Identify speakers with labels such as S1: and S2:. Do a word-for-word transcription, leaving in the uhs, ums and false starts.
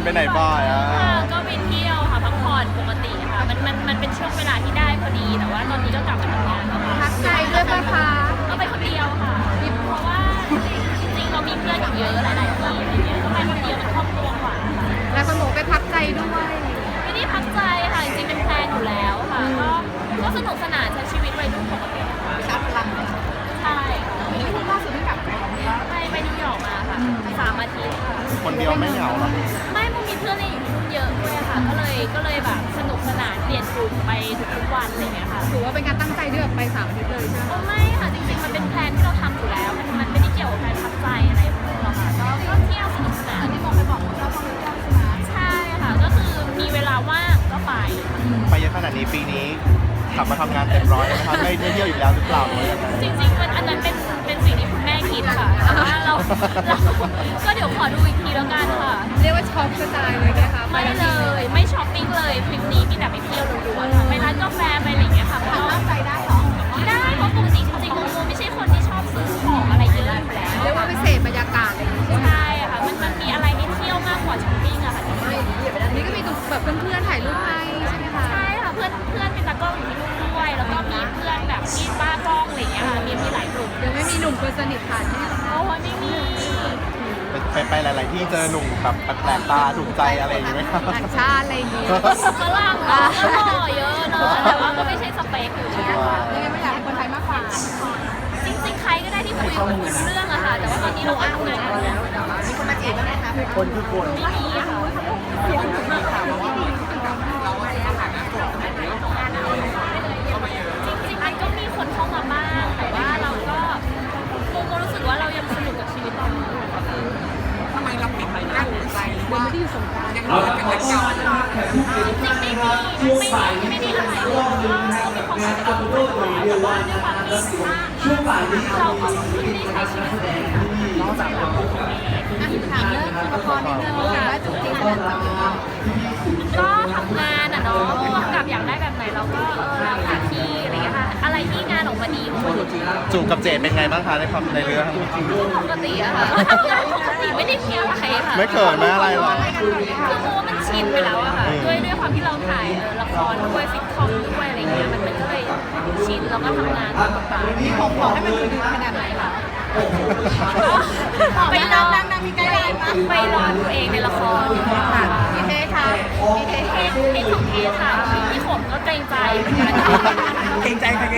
S1: ไหนบ่อยอ่ะ
S2: ก็ไปเที่ยวค่ะพักผ่อนปกติค่ะมันมันมันเป็นช่วงเวลาที่ได้พอดีแต่ว่าตอนนี้ก็กลับมาทำงานแล้วค่ะ
S3: พักใจด้วยปะคะ
S2: ก็ไปคนเดียวค่ะเพราะว่าจริงๆเรามีเพื่อนอยู่เยอะหลายๆที่อะไรเงี้ยก็ไปคนเดียวเป็นครอบครัวกว่าค่ะ
S3: แล้วคนบอกไปพักใจด้วย
S2: ไม่ได้พักใจค่ะจริงๆเป็นแพลนอยู่แล้วค่ะก็ก็สนุกสนานใช้ชีวิตวัยรุ่นปกติค่ะ
S3: ชาร์จพลัง
S2: ใช่ค่ะ
S3: นี่คุณล่าสุดที่กลับไปของเรา
S2: ไปไปนิวยอร์กมาค่ะสามอาทิตย์ค่ะ
S1: คนเดียวไม่เหงาหรอ
S2: ไม่มันมีเพื่อนเล่นอยู่ที่นู่นเยอะด้วยค่ะก็เลยก็เลยแบบสนุกสนานเปลี่ยนกลุ่มไปทุกๆวันอะไรเงี้ยค่ะ
S3: ถือว่าเป็นการตั้งใจที่แบบไปสามอาทิตย์เลยใช่ไหม
S2: เออไม่ค่ะจริงๆมันเป็นแพลนที่เราทำอยู่แล้ว มันมันไม่ได้เกี่ยวกับการพักใจอะไรพวกนี้หรอกค่ะก็ก็เที่ยวสนุกสนานที่มองไปบอกเราต้องไปเที่ยวใช่ไหมใช่ค่ะก็คือมีเวลาว่างก็ไป
S1: ไปเยอะขนาดนี้ปีนี้กลับมาทำงานเต็มร้อยนะครับไม่ได้เที่ยวอีกแล้วหรือเปล่าหรือว่ายังไง
S2: จริงๆมันอันนั้นเป็นเป็นสิ่งที่คุณแม่คิดค่ะแต่ว่าเราเราก็เดี๋ยวขอดูอีกทีแล้วกันค่ะ
S3: เรียกว่าช็อปกระจายเลยนะคะ
S2: ไม่เลยไม่ช้อปปิ้งเลยทริปนี้มีแต่ไปเที่ยวล้วนๆค่ะไปร้านกาแฟไปอะไรอย่างเงี้ยค่ะเพราะว่า
S3: ใจได้เหรอ
S2: ได้เพราะปกติจริงๆโมโมไม่ใช่คนที่ชอบซื้อของอะไรเยอะอยู่แล้ว
S3: เรียกว่าไปเสพบรรยากาศอะไรอย่างงี้ใช่ไหม
S2: ใช่ค่ะมันมันมีอะไรให้เที่ยวมากกว่าช้อปปิ้งอะค่ะจริง
S3: นี่ก็มีแบบเพื่อนๆถ่ายรูปให้ใช่ไหมคะ
S2: ๆใช่ค่ะเพื่อนเพื่อนเป็นตากล้องอยู่ที่นู่นด้วยแล้วก็มีเพื่อนแบบที่บ้ากล้องอะไรอย่างเงี้ยค่ะมีมีหลายกลุ่ม
S3: ยังไม่มีหนุ่มคนสนิทผ่านที่
S2: โอ้ยไม่มี
S1: ไปไปหลาย ๆ ที่เจอหนุ่มแบบแปลกตาถูกใจอะไรอย่างเงี้ยไหมครับ
S3: ต่างชาติอะไรอย่างงี้
S2: ฝรั่งอะก็หล่อเยอะเนอะแต่ว่าก็ไม่ใช่สเปคอยู่ดีค่ะ
S3: ยังไงไม่อยากให้คนไทยมากกว่า
S2: จริงๆใครก็ได้ที่คุยกับคุยรู้เรื่องอะค่ะแต่ว่าตอนนี้เราก็ทำงานกันแล้ว
S3: มีคนมาจีบบ้างไหมคะ
S1: คนคือคน
S2: ไม่มีค่ะ
S3: เสียงถึงมีข่าวว่ามีเราไม่ได้อาหารนะ
S2: จริงๆมันก็มีคนเข้ามาบ้างแต่ว่าเราก็โมโมรู้สึกว่าเรายังสนุกกับชีวิตตอนนี้อยู่อะค่ะ
S3: ทำไมเราปิดไม่ได้ใจว่าไม่ได้อยู่สงกรานต์ยังเห
S4: เอา
S3: ลือ
S4: ละ
S3: กัน
S4: ค
S3: แต่
S4: รับ
S3: เก่า
S4: แขกผู้เกียรติทุกท่านนะครับช่วงบ่ายนี้นะครับในรอบนึงนะครับในการคอมพิวเตอร์ตัวเดียววันนะครับและส่วนช่วงบ่ายนี้เราก็จะมีคณะนักแสดงที่นอกจากเราจะมี
S3: ถามเรื่องละครนิดนึงค่ะว่าจุดจริงขนาดไหน
S2: ก็ทำงานอะเนาะผู้กำกับอยากได้แบบไหนเราก็เออเราหาที่อะไรอย่างเงี้ยค่ะอะไรที่งานออกมาดีโมโมก็
S1: จูบกับเจดเป็นไงบ้างคะในความในเรื่อง
S2: ปกติอะค่ะก็ทำงานปกติไม่ได้มีอะไรค่ะ
S1: ไม่เขินไม่อะไรหรอ
S2: คือโมมันชินไปแล้วอะค่ะ
S1: อืม
S2: ด้วยด้วยความที่เราถ่ายเออละครด้วยฟิตคอมด้วยอะไรเงี้ยมันมันก็เลยชินแล้วก็ทำงานตามปกติ
S3: ผมขอให้มันดูดีขนาดไหนคะ
S2: ไปรอ
S3: ดังๆมีไกด์ไลน์มา
S2: ไปรอตัวเองในละคร
S3: ค่ะมีเทค่ะมีเท
S2: เทสเทสของเทสค่ะพี่ขมก็เกรงใจเหมือนกัน
S4: เกรงใจใคร